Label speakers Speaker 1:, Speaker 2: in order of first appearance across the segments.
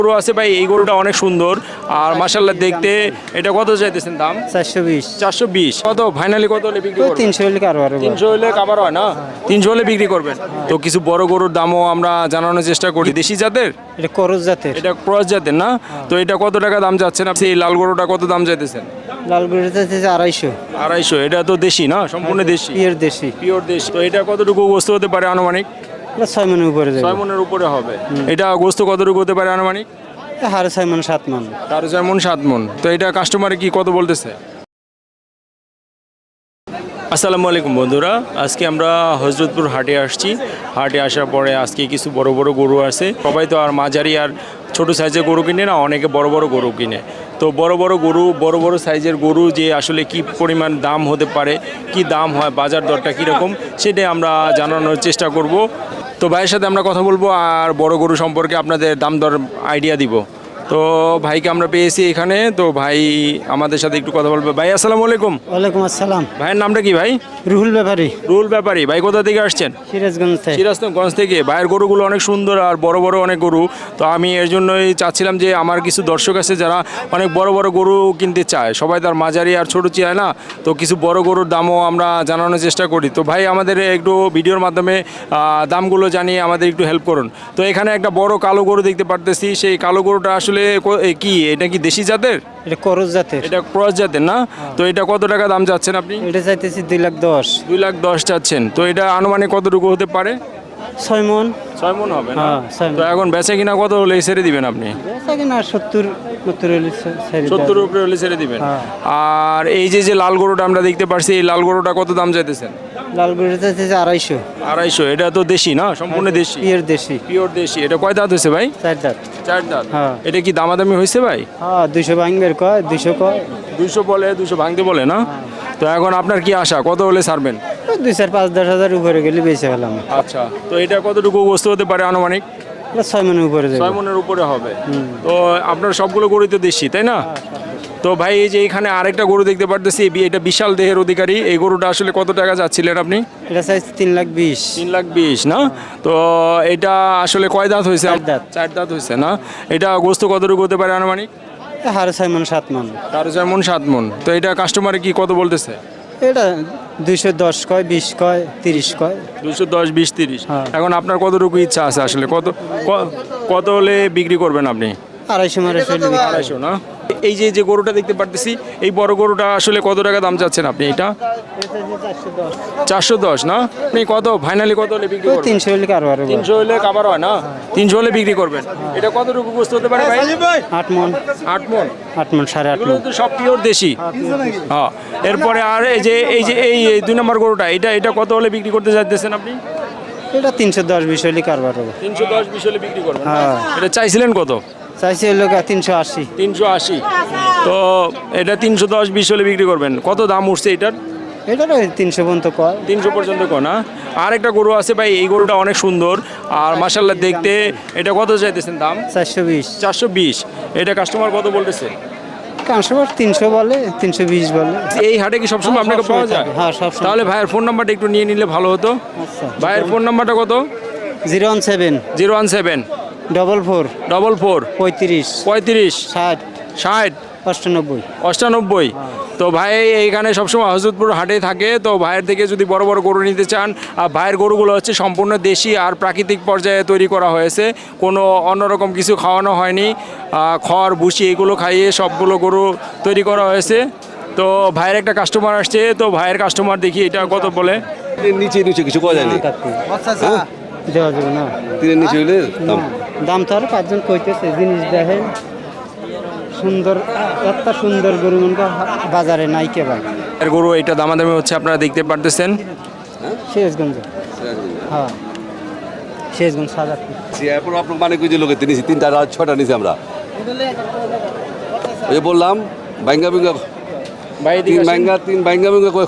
Speaker 1: গরু আছে ভাই, এই গরুটা অনেক সুন্দর আর মাশাআল্লাহ দেখতে। এটা কত চাইতেছেন দাম?
Speaker 2: 420।
Speaker 1: 420। কত ফাইনালি কত হলে বিক্রি করবেন?
Speaker 2: 300 হলে কারবার
Speaker 1: 300 হলে কাবার হয় না? 300 হলে বিক্রি করবেন। তো কিছু বড় গরুর দামও আমরা জানানোর চেষ্টা করি। দেশি জাতের,
Speaker 2: এটা করজ জাতের।
Speaker 1: এটা ক্রস জাতের না? তো এটা কত টাকা দাম যাচ্ছেন আপনি? এই লাল গরুটা কত দাম চাইতেছেন?
Speaker 2: লাল গরুটা আছে 250।
Speaker 1: 250। এটা তো দেশি না? সম্পূর্ণ দেশি,
Speaker 2: পিওর দেশি।
Speaker 1: পিওর দেশি। তো এটা কতটুকু গোস্ত হতে পারে আনুমানিক?
Speaker 2: 6 মনের উপরে যাবে।
Speaker 1: 6 মনের উপরে হবে। এটা গোস্ত কতটুকু হতে পারে আনুমানিক?
Speaker 2: 6.5 মন 7 মন।
Speaker 1: 4.5 মন 7 মন। তো এটা কাস্টমারে কি কত বলতেছে? আসসালামু আলাইকুম বন্ধুরা, আজকে আমরা হজরতপুর হাটে আসছি। হাটে আসার পরে আজকে কিছু বড় বড় গরু আছে। সবাই তো আর মাঝারি আর ছোট সাইজের গরু কিনে না, অনেকে বড় বড় গরু কিনে। তো বড় বড় গরু, বড় বড় সাইজের গরু যে আসলে কি পরিমাণ দাম হতে পারে, কি দাম হয়, বাজার দরটা কীরকম, সেটাই আমরা জানানোর চেষ্টা করব। তো ভাইয়ের সাথে আমরা কথা বলবো আর বড় গরু সম্পর্কে আপনাদের দাম দর আইডিয়া দিব। তো ভাইকে আমরা পেয়েছি এখানে, তো ভাই আমাদের সাথে একটু কথা বলবে। ভাই আসসালামু আলাইকুম।
Speaker 2: ওয়ালাইকুম আসসালাম।
Speaker 1: ভাইয়ের নামটা কি ভাই?
Speaker 2: রুহুল ব্যাপারী।
Speaker 1: রুহুল ব্যাপারী। ভাই কোথা থেকে আসছেন?
Speaker 2: সিরাজগঞ্জ থেকে।
Speaker 1: সিরাজগঞ্জ থেকে। ভাইয়ের গরুগুলো অনেক সুন্দর আর বড় বড় অনেক গরু। তো আমি এর জন্যই চাচ্ছিলাম যে আমার কিছু দর্শক আছে যারা অনেক বড় বড় গরু কিনতে চায়, সবাই তার মাঝারি আর ছোটো চায় না। তো কিছু বড় গরুর দামও আমরা জানানোর চেষ্টা করি। তো ভাই আমাদের একটু ভিডিওর মাধ্যমে দামগুলো জানিয়ে আমাদের একটু হেল্প করুন। তো এখানে একটা বড় কালো গরু দেখতে পারতেছি। সেই কালো গরুটা আসলে কি, এটা কি দেশি জাতের?
Speaker 2: এটা করজ জাতের।
Speaker 1: এটা ক্রস জাতের না? তো এটা কত টাকা দাম চাচ্ছেন আপনি?
Speaker 2: এটা চাইতেছি 210,000।
Speaker 1: 210,000 চাচ্ছেন। তো এটা আনুমানিক কতটুকু হতে পারে?
Speaker 2: 6 মন।
Speaker 1: 6 মন হবে না?
Speaker 2: হ্যাঁ, 6 মণ।
Speaker 1: তো এখন বেচে কিনা কত হলে ছেড়ে দিবেন আপনি?
Speaker 2: বেচা কিনা 70 হলে ছেড়ে দেব।
Speaker 1: 70 উপরে হলে ছেড়ে দিবেন।
Speaker 2: হ্যাঁ।
Speaker 1: আর এই যে লাল গরুটা আমরা দেখতে পাচ্ছি, এই লাল গরুটা কত দাম চাইতেছেন?
Speaker 2: লাল গরুটা চাইতেছি 250।
Speaker 1: 250। এটা তো দেশি না? সম্পূর্ণ দেশি,
Speaker 2: পিওর দেশি।
Speaker 1: পিওর দেশি। এটা কয় দাঁত হয়েছে ভাই?
Speaker 2: 4 দাঁত।
Speaker 1: 4 দাঁত।
Speaker 2: হ্যাঁ।
Speaker 1: এটা কি দামাদামি হয়েছে ভাই?
Speaker 2: হ্যাঁ, 200 ভাঙবের কয়, 200 কয়।
Speaker 1: 200 বলে, 200 ভাঙতে বলে না? তো এখন আপনার কি আশা, কত হলে ছাড়বেন?
Speaker 2: 2-4-5-10 হাজার উপরে গেলে বেঁচে ফেলাম।
Speaker 1: আচ্ছা, তো এটা কতটুকু বস্তু হতে পারে আনুমানিক?
Speaker 2: 6 মনের উপরে যাবে।
Speaker 1: 6 মনের উপরে হবে। তো আপনার সবগুলো গরুই তো দেশি, তাই না? তো ভাই এই যে এখানে আরেকটা গরু দেখতে পারতেছি, এটা বিশাল দেহের অধিকারী। এই গরুটা আসলে কত টাকা যাচ্ছিলেন আপনি?
Speaker 2: এটা চাইছি 320,000।
Speaker 1: 320,000 না? তো এটা আসলে কয় দাঁত হয়েছে?
Speaker 2: 4 দাঁত।
Speaker 1: 4 দাঁত হয়েছে না? এটা গোস্ত কতটুকু হতে পারে আনুমানিক?
Speaker 2: 6.5 মন 7 মন।
Speaker 1: 4.5 মন 7 মন। তো এটা কাস্টমারে কি কত বলতেছে?
Speaker 2: এটা 210 কয়, 20 কয়, 30 কয়।
Speaker 1: 210, 20, 30।
Speaker 2: হ্যাঁ।
Speaker 1: এখন আপনার কতটুকু ইচ্ছা আছে আসলে, কত হলে বিক্রি করবেন আপনি?
Speaker 2: 250 মারে চলে।
Speaker 1: 250 না? এই যে গরুটা দেখতে পারতেছি, এই বড় গরুটা আসলে কত টাকা দাম চাচ্ছেন আপনি? এটা 410 না? আপনি কত ফাইনালি কত হলে বিক্রি করবেন?
Speaker 2: 300 হলে কারবার।
Speaker 1: 300 হলে কাবার হয় না? 300 হলে বিক্রি করবেন। এটা কতটুকু গোস্ত হতে পারে ভাই?
Speaker 2: 8 মন।
Speaker 1: 8 মন।
Speaker 2: 8 মন 8.5
Speaker 1: এগুলো
Speaker 2: মন।
Speaker 1: তো সব পিওর দেশি। হ্যাঁ। এরপরে আর এই 2 নম্বর গরুটা, এটা কত হলে বিক্রি করতে চাইতেছেন আপনি?
Speaker 2: এটা 310-20 হলে কারবার হবে।
Speaker 1: 310, 20 হলে বিক্রি করবেন।
Speaker 2: হ্যাঁ।
Speaker 1: এটা চাইছিলেন কত?
Speaker 2: চাইছি হলো 380।
Speaker 1: 380। তো এটা 310, 20 হলে বিক্রি করবেন। কত দাম উঠছে এটার?
Speaker 2: এটা 300 পর্যন্ত কয়।
Speaker 1: 300 পর্যন্ত কো না? আর একটা গরু আছে ভাই, এই গরুটা অনেক সুন্দর আর মাশাআল্লাহ দেখতে। এটা কত চাইতেছেন দাম?
Speaker 2: 420।
Speaker 1: 420। এটা কাস্টমার কত বলতেছে?
Speaker 2: কাস্টমার 300 বলে, 320 বলে।
Speaker 1: এই হাটে কি সবসময় আপনাকে পাওয়া যায়?
Speaker 2: হ্যাঁ, সবসময়।
Speaker 1: তাহলে ভাইয়ের ফোন নাম্বারটা একটু নিয়ে নিলে ভালো হতো।
Speaker 2: আচ্ছা।
Speaker 1: ভাইয়ের ফোন নাম্বারটা কত?
Speaker 2: 017
Speaker 1: 017
Speaker 2: 44
Speaker 1: 44
Speaker 2: 35
Speaker 1: 35
Speaker 2: 60
Speaker 1: 60
Speaker 2: 98
Speaker 1: 98। তো ভাই এইখানে সবসময় হজরতপুর হাটে থাকে। তো ভাইয়ের থেকে যদি বড় বড় গরু নিতে চান, আর ভাইয়ের গরুগুলো হচ্ছে সম্পূর্ণ দেশি আর প্রাকৃতিক পর্যায়ে তৈরি করা হয়েছে, কোনো অন্যরকম কিছু খাওয়ানো হয়নি। খড় ভুসি এগুলো খাইয়ে সবগুলো গরু তৈরি করা হয়েছে। তো ভাইয়ের একটা কাস্টমার আসছে, তো ভাইয়ের কাস্টমার দেখি এটা কত বলে।
Speaker 3: নিচে নিচে কিছু করা যায়নি।
Speaker 2: দেওয়া যাবে না।
Speaker 3: তিনের নিচে হইলে দাম।
Speaker 2: দাম তো আর 5 জন কইতেছে, জিনিস দেখেন সুন্দর, একটা সুন্দর গরু মনটা বাজারে নাই কে ভাই।
Speaker 1: এর গরু এটা দামাদামি হচ্ছে, আপনারা দেখতে পারতেছেন।
Speaker 2: শেষগঞ্জ। হ্যাঁ, শেষগঞ্জ সাজাত।
Speaker 3: এরপর আপনার মানে কই যে লোকে নিয়েছি 3টা 6টা নিয়েছি আমরা। ওই যে বললাম বাইঙ্গা বিঙ্গা
Speaker 1: ভাই
Speaker 3: তিন বাইঙ্গা কই।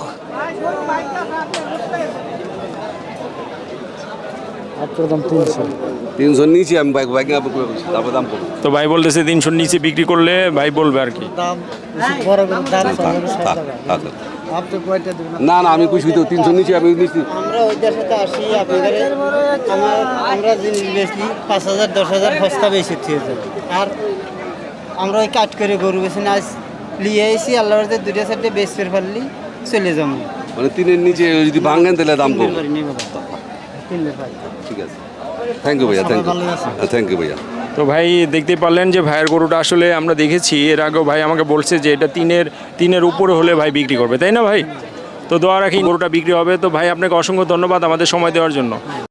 Speaker 2: আপনার দাম 300।
Speaker 3: 300 নিয়েছি আমি বাইঙ্গা তারপর দাম করবো।
Speaker 1: তো ভাই বলতেছে 300 নিচে বিক্রি করলে ভাই বলবে আর কি।
Speaker 2: দাম বড় দাম
Speaker 3: থাক।
Speaker 2: আপনি কয়টা দেবেন?
Speaker 3: না না আমি খুশি তো 300 নিচে আমি নিচ্ছি।
Speaker 2: আমরা ওইটার সাথে আসি আপনাদের আমরা জিনিস বেচলি 5,000 10,000 সস্তা বেশি থেকে যাবে। আর আমরা ওই কাট করে গরু বেশি না লিয়ে এসি আল্লাহর হাতে দুইটা সাইডে বেচ ফের ফেললি চলে যাবো।
Speaker 3: মানে 3-এর নিচে যদি ভাঙেন তাহলে দাম কম। ঠিক আছে, থ্যাংক ইউ ভাইয়া, থ্যাংক ইউ ভাইয়া।
Speaker 1: তো ভাই দেখতে পারলেন যে ভাইয়ের গরুটা আসলে আমরা দেখেছি এর আগেও ভাই আমাকে বলছে যে এটা তিনের উপরে হলে ভাই বিক্রি করবে, তাই না ভাই? তো দোয়া রাখি গরুটা বিক্রি হবে। তো ভাই আপনাকে অসংখ্য ধন্যবাদ আমাদের সময় দেওয়ার জন্য।